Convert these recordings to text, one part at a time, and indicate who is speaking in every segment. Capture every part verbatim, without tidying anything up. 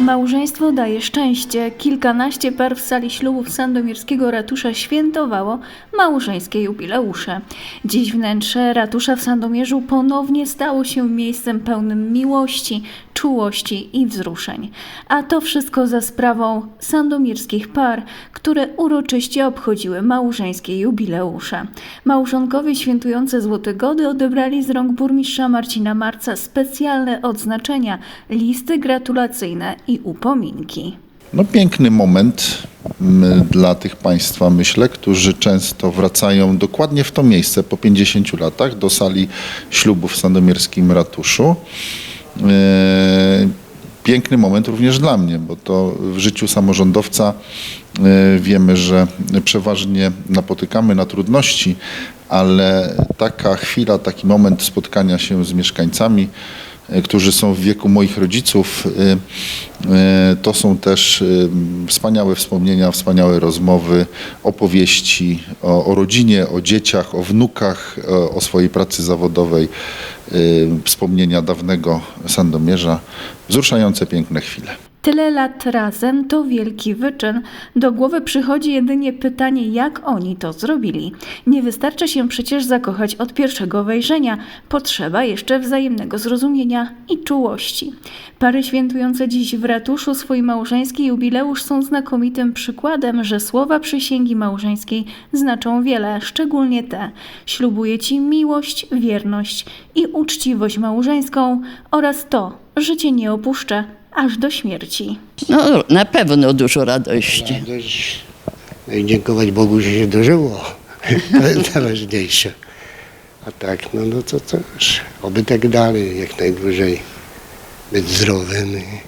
Speaker 1: Małżeństwo daje szczęście. Kilkanaście par w sali ślubów sandomierskiego ratusza świętowało małżeńskie jubileusze. Dziś wnętrze ratusza w Sandomierzu ponownie stało się miejscem pełnym miłości, czułości i wzruszeń. A to wszystko za sprawą sandomierskich par, które uroczyście obchodziły małżeńskie jubileusze. Małżonkowie świętujące Złote Gody odebrali z rąk burmistrza Marcina Marca specjalne odznaczenia, listy gratulacyjne i upominki.
Speaker 2: No, piękny moment m, dla tych Państwa, myślę, którzy często wracają dokładnie w to miejsce po pięćdziesięciu latach do sali ślubów w sandomierskim ratuszu. E, piękny moment również dla mnie, bo to w życiu samorządowca e, wiemy, że przeważnie napotykamy na trudności, ale taka chwila, taki moment spotkania się z mieszkańcami, którzy są w wieku moich rodziców, to są też wspaniałe wspomnienia, wspaniałe rozmowy, opowieści o, o rodzinie, o dzieciach, o wnukach, o, o swojej pracy zawodowej, wspomnienia dawnego Sandomierza, wzruszające piękne chwile.
Speaker 1: Tyle lat razem to wielki wyczyn. Do głowy przychodzi jedynie pytanie, jak oni to zrobili. Nie wystarczy się przecież zakochać od pierwszego wejrzenia. Potrzeba jeszcze wzajemnego zrozumienia i czułości. Pary świętujące dziś w ratuszu swój małżeński jubileusz są znakomitym przykładem, że słowa przysięgi małżeńskiej znaczą wiele, szczególnie te: ślubuję Ci miłość, wierność i uczciwość małżeńską oraz to, że Cię nie opuszczę aż do śmierci.
Speaker 3: No, na pewno dużo radości.
Speaker 4: Radość. No i dziękować Bogu, że się dożyło. To jest najważniejsze. A tak, no, no to też. Oby tak dalej, jak najdłużej. Być zdrowym.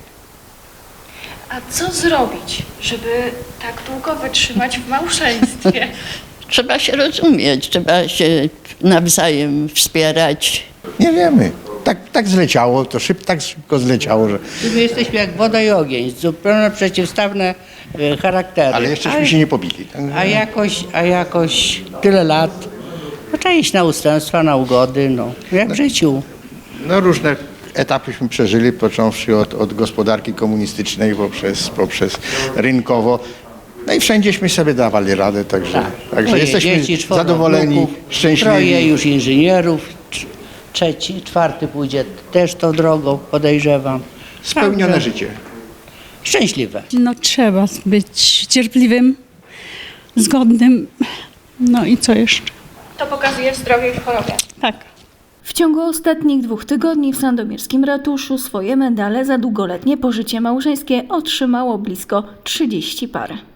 Speaker 5: A co zrobić, żeby tak długo wytrzymać w małżeństwie?
Speaker 3: Trzeba się rozumieć, trzeba się nawzajem wspierać.
Speaker 6: Nie wiemy. Tak, tak zleciało, to szyb, tak szybko zleciało, że...
Speaker 7: My jesteśmy jak woda i ogień, zupełnie przeciwstawne e, charaktery.
Speaker 6: Ale jeszcześmy się nie pobili. Tak?
Speaker 7: A jakoś, a jakoś tyle lat, no, trzeba iść na ustępstwa, na ugody, no, jak w życiu.
Speaker 6: No różne etapyśmy przeżyli, począwszy od, od gospodarki komunistycznej poprzez, poprzez rynkowo. No i wszędzieśmy sobie dawali radę, także,
Speaker 7: Tak.
Speaker 6: także
Speaker 7: Moje
Speaker 6: jesteśmy
Speaker 7: dzieci, czworo
Speaker 6: zadowoleni,
Speaker 7: wnuków,
Speaker 6: szczęśliwi.
Speaker 7: Troje już inżynierów, tr- trzeci, czwarty pójdzie też tą drogą, podejrzewam.
Speaker 6: Spełnione
Speaker 7: Także
Speaker 6: życie.
Speaker 7: szczęśliwe.
Speaker 8: No trzeba być cierpliwym, zgodnym, no i co jeszcze?
Speaker 5: To pokazuje w zdrowiu i w chorobie.
Speaker 8: Tak.
Speaker 1: W ciągu ostatnich dwóch tygodni w sandomierskim ratuszu swoje medale za długoletnie pożycie małżeńskie otrzymało blisko trzydzieści par.